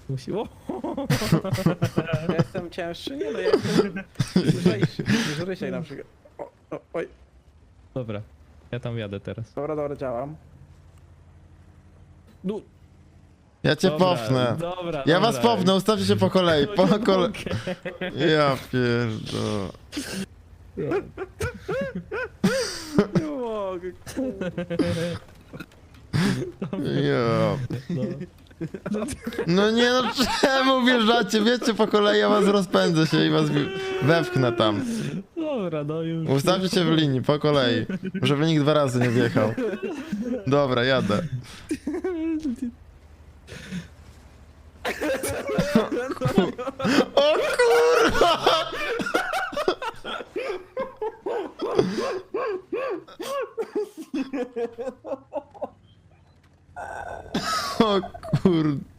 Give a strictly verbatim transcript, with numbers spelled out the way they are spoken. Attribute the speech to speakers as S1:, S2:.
S1: Musi... O!
S2: Ja jestem cięższy, nie no, ja jestem lżejszy niż Rysiek na przykład. O, o, oj,
S1: Dobra, ja tam jadę teraz.
S2: dobra, dobra, działam.
S1: No,
S3: Ja cię
S1: dobra,
S3: popnę.
S1: Dobra,
S3: Ja
S1: dobra.
S3: was popnę, ustawcie się po kolei, po
S1: Nie
S3: kolei.
S1: mogę.
S3: Ja pierdolę.
S2: Nie mogę.
S3: Ja.
S1: No.
S3: No nie no, czemu wjeżdżacie? Wiecie po kolei, ja was rozpędzę się i was wi- wepchnę tam.
S1: Dobra, no już.
S3: Ustawcie się w linii, po kolei. Żeby nikt dwa razy nie wjechał. Dobra, jadę. O kurwa! O kurde.